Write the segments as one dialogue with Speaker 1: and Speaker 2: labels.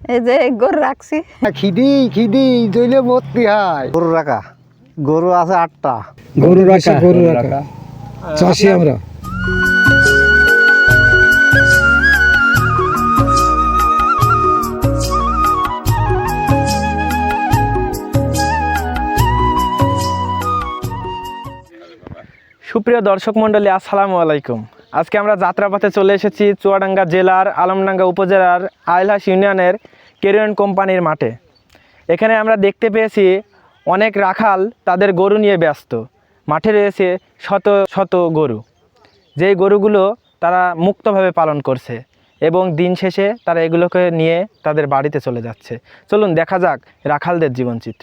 Speaker 1: এই যে গরু রাখছি।
Speaker 2: খিদি খিদি জইলে ভর্তি হয়। গরু রাখা, গরু আছে 8টা।
Speaker 3: গরু রাখা চাষি আমরা।
Speaker 4: সুপ্রিয় দর্শক মণ্ডলী, আসসালামু আলাইকুম। আজকে আমরা যাত্রাপথে চলে এসেছি চুয়াডাঙ্গা জেলার আলমডাঙ্গা উপজেলার আইলহাস ইউনিয়নের কেরিয়ন কোম্পানির মাঠে। এখানে আমরা দেখতে পেয়েছি অনেক রাখাল তাদের গরু নিয়ে ব্যস্ত। মাঠে রয়েছে শত শত গরু, যেই গরুগুলো তারা মুক্তভাবে পালন করছে এবং দিন শেষে তারা এগুলোকে নিয়ে তাদের বাড়িতে চলে যাচ্ছে। চলুন দেখা যাক রাখালদের জীবনচিত্র।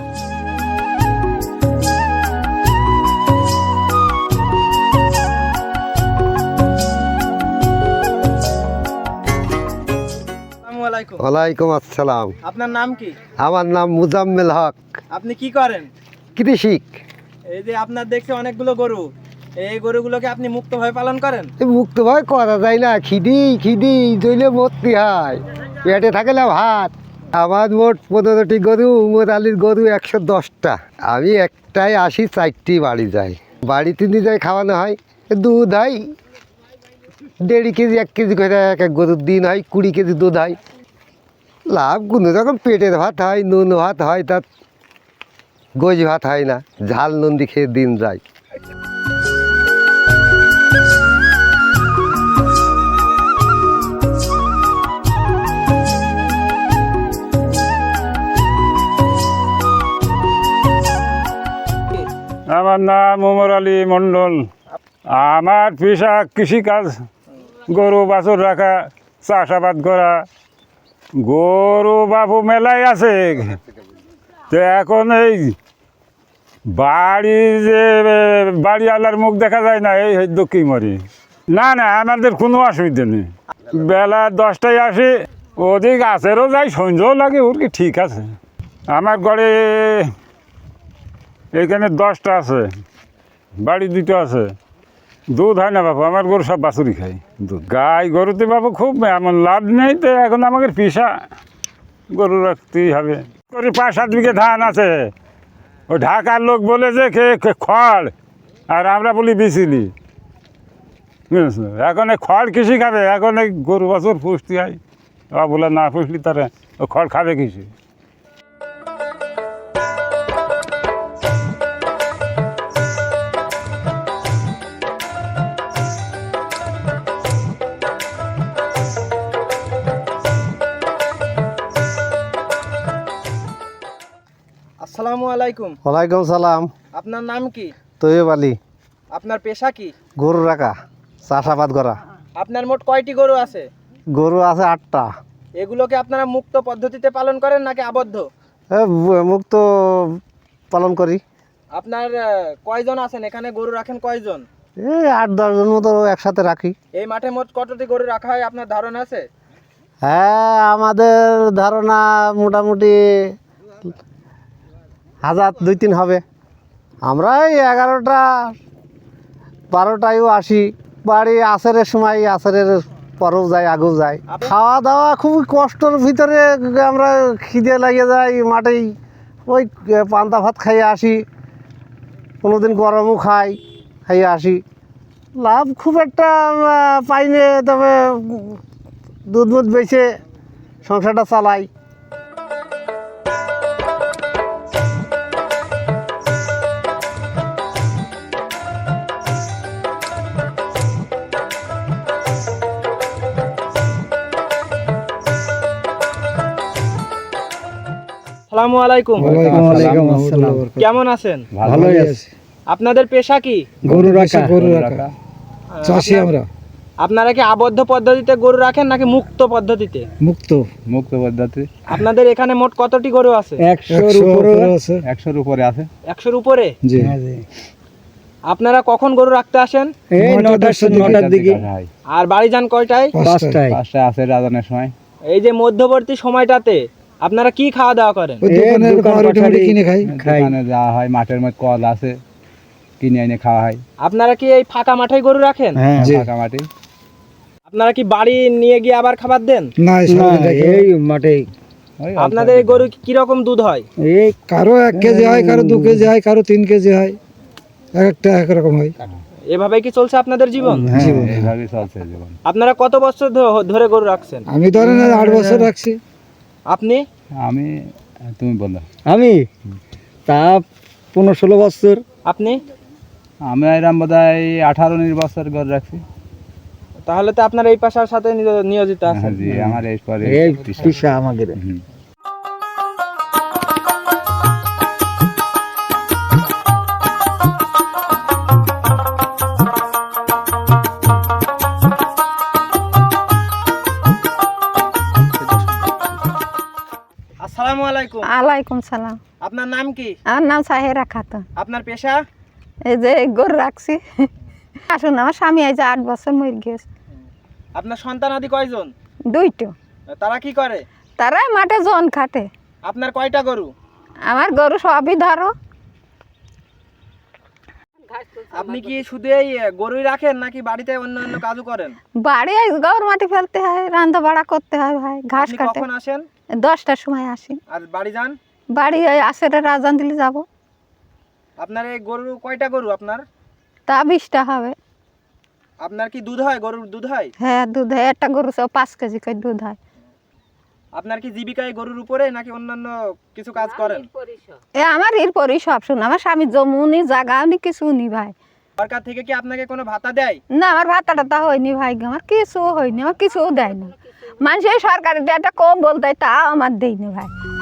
Speaker 2: ওয়ালাইকুম আসসালাম।
Speaker 4: আপনার নাম কি?
Speaker 2: আমার নাম মুজাম্মেল হক।
Speaker 4: আপনি কি করেন?
Speaker 2: কৃষিক।
Speaker 4: এই যে আপনার দেখছি অনেকগুলো গরু, এই গরুগুলোকে আপনি মুক্তভাবে পালন করেন?
Speaker 2: মুক্ত ভয় করা যায় না, খিদি খিদি জইলে ভর্তি হয়, পেটে থাকলে ভাত। আমার মোট 15টি গরু, উমর আলীর গরু 110টা। আমি একটাই আসি, 4টি বাড়ি যাই। বাড়িতে নিয়ে যাই, খাওয়ানো হয়, দুধ হয় 1.5 কেজি 1 কেজি করে এক এক গরুর দিন হয়, 20 কেজি দুধ হয়। লাভ কোনো রকম পেটের ভাত হয়, নুন ভাত হয়, তার গোজ ভাত হয় না, ঝাল নুন দিয়ে খেয়ে দিন যায়।
Speaker 3: আমার নাম উমর আলী মণ্ডল। আমার পেশা কৃষিকাজ, গরু বাছুর রাখা, চাষাবাদ করা। গরু বাবু মেলাই আছে, তো এখন এই বাড়ি যে বাড়িওয়ালার মুখ দেখা যায় না, এই দক্ষিণ মরি। না না, আমাদের কোনো অসুবিধা নেই। বেলা 10টায় আসি, ওদিক আছেরও যাই, সন্ধ্যাও লাগে, ওর কি ঠিক আছে। আমার ঘরে এইখানে 10টা আছে, বাড়ি 2টো আছে। দুধ হয় না বাবু, আমার গরু সব বাছুরি খাই দুধ। গাই গরুতে বাবু খুব এমন লাভ নেই, তো এখন আমাদের পেশা গরু রাখতেই হবে। করে 5-7 বিঘে ধান আছে, ওই ঢাকার লোক বলে যে খড়, আর আমরা বলি বিচিলি। বুঝেছো, এখন এই খড় কৃষি খাবে, এখন এই গরু বাছুর পুষতে হয়। বলে না পুষলি তারা ও খড় খাবে কৃষি।
Speaker 4: আসসালামু আলাইকুম।
Speaker 2: ওয়ালাইকুম সালাম।
Speaker 4: আপনার নাম কি?
Speaker 2: তৈয়ব আলী।
Speaker 4: আপনার পেশা কি?
Speaker 2: গরু রাখা, চাষাবাদ করা।
Speaker 4: আপনার মোট কয়টি গরু আছে?
Speaker 2: গরু আছে 8টা।
Speaker 4: এগুলোকে আপনারা মুক্ত পদ্ধতিতে পালন করেন নাকি আবদ্ধ?
Speaker 2: মুক্ত পালন করি।
Speaker 4: আপনার কয়জন আছেন এখানে? গরু রাখেন কয়জন?
Speaker 2: এই 8-10 জন মতো একসাথে রাখি।
Speaker 4: এই মাঠে মোট কতটি গরু রাখা হয় আপনার ধারণা আছে?
Speaker 2: হ্যাঁ, আমাদের ধারণা মোটামুটি 1000-2-3 হবে। আমরা এই 11টা 12টায়ও আসি। বাড়ি আসরের সময়, আসরের পরেও যাই, আগেও যাই। খাওয়া দাওয়া খুবই কষ্টের ভিতরে, আমরা খিদে লাগিয়ে যাই, মাঠেই ওই পান্তা ভাত খাইয়ে আসি, কোনোদিন গরমও খাইয়ে আসি। লাভ খুব একটা পাইনি, তবে দুধ মুধ বেচে সংসারটা চালাই।
Speaker 4: আসসালামু আলাইকুম।
Speaker 3: ওয়ালাইকুম আসসালাম।
Speaker 4: কেমন আছেন?
Speaker 3: ভালোই আছে।
Speaker 4: আপনাদের পেশা কি?
Speaker 3: গরু রাখা চাষি আমরা।
Speaker 4: আপনারা কি আবদ্ধ পদ্ধতিতে গরু রাখেন নাকি মুক্ত পদ্ধতিতে?
Speaker 3: মুক্ত পদ্ধতি।
Speaker 4: আপনাদের এখানে মোট কতটি গরু আছে?
Speaker 3: 100-র উপরে আছে। 100-র উপরে আছে।
Speaker 4: 100-র উপরে?
Speaker 3: জি।
Speaker 4: আপনারা কখন গরু রাখতে আসেন?
Speaker 3: এই 9টার দিকে।
Speaker 4: আর বাড়ি যান কয়টায়?
Speaker 3: 5টায় আছে রাজানের সময়।
Speaker 4: এই যে মধ্যবর্তী সময়টাতে আপনারা কি খাওয়া দাওয়া করেন?
Speaker 3: দোকানে কিনে খাই। দোকানে যাওয়া হয়, মাঠের মধ্যে কল আছে, কিনে এনে খাওয়া হয়।
Speaker 4: আপনারা কি এই ফাঁকা মাঠে গরু রাখেন?
Speaker 3: হ্যাঁ, ফাঁকা মাঠে।
Speaker 4: আপনারা কি বাড়ি নিয়ে গিয়ে আবার খাবার দেন?
Speaker 1: না এই মাঠে
Speaker 4: আপনাদের এই গরু কি রকম দুধ হয়?
Speaker 1: এই কারো 1 কেজি হয়, কারো 2 কেজি হয়, কারো 3 কেজি হয়, একটা একরকম হয়।
Speaker 4: এভাবেই কি চলছে আপনাদের জীবন?
Speaker 1: জীবন।
Speaker 3: এইভাবেই চলছে জীবন।
Speaker 4: আপনারা কত বছর ধরে গরু রাখছেন?
Speaker 1: আমি ধরেন 8 বছর রাখছি।
Speaker 4: আপনি?
Speaker 3: আমি তুমি বলো।
Speaker 1: আমি তা 15-16 বছর।
Speaker 4: আপনি?
Speaker 3: আমি এরম বোধহয় 18-19 বছর করে রাখছি।
Speaker 4: তাহলে তো আপনার এই পেশার সাথে নিয়োজিত আছেন।
Speaker 3: জি আমার এই পরে
Speaker 1: এই পেশা আমাদের।
Speaker 4: আসসালামু আলাইকুম।
Speaker 5: আলাইকুম সালাম।
Speaker 4: আপনার নাম কি?
Speaker 5: আমার নাম সাহেরা খাতুন।
Speaker 4: আপনার পেশা?
Speaker 5: এই যে গরু রাখছি। আসুন, আমার স্বামী এই যে 8 বছর মরে গেছে।
Speaker 4: আপনার সন্তানাদি কয়জন?
Speaker 5: 2টো।
Speaker 4: তারা কি করে?
Speaker 5: তারা মাঠে জন খাটে।
Speaker 4: আপনার কয়টা গরু?
Speaker 5: আমার গরু সবই ধরো।
Speaker 4: আপনি কি শুধু এই গরুই রাখেন নাকি বাড়িতে অন্য অন্য কাজও করেন?
Speaker 5: বাড়ি গরু মাটি ফেলতে হয়, রান্না বাড়া করতে হয় ভাই, ঘাস
Speaker 4: আপনি
Speaker 5: কাটে।
Speaker 4: কখন আসেন
Speaker 5: 10টার সময় আসি।
Speaker 4: আর বাড়ি যান?
Speaker 5: বাড়ি ওই আসরে রাজান দিলে যাব।
Speaker 4: আপনার এই গরু কয়টা গরু আপনার?
Speaker 5: তা 20টা হবে।
Speaker 4: আপনার কি দুধ হয়? গরুর দুধ হয়?
Speaker 5: হ্যাঁ, দুধ হয়। একটা গরু 5 কেজি করে দুধ হয়।
Speaker 4: আপনার কি জীবিকা এই গরুর উপরে নাকি অন্যান্য কিছু কাজ করেন?
Speaker 5: আমার এরপরই সব শুন, আমার স্বামী জমুনি জাগা উনি কিছু নি ভাই।
Speaker 4: সরকার থেকে কি আপনাকে কোনো ভাতা দেয়?
Speaker 5: না, আমার ভাতা টাতা হয়নি ভাই, আমার কিছু হয়নি, আমার কিছুও দেয় না। মানুষ এই সরকারি একটা কম বলতে তা আমার দেয়নি ভাই।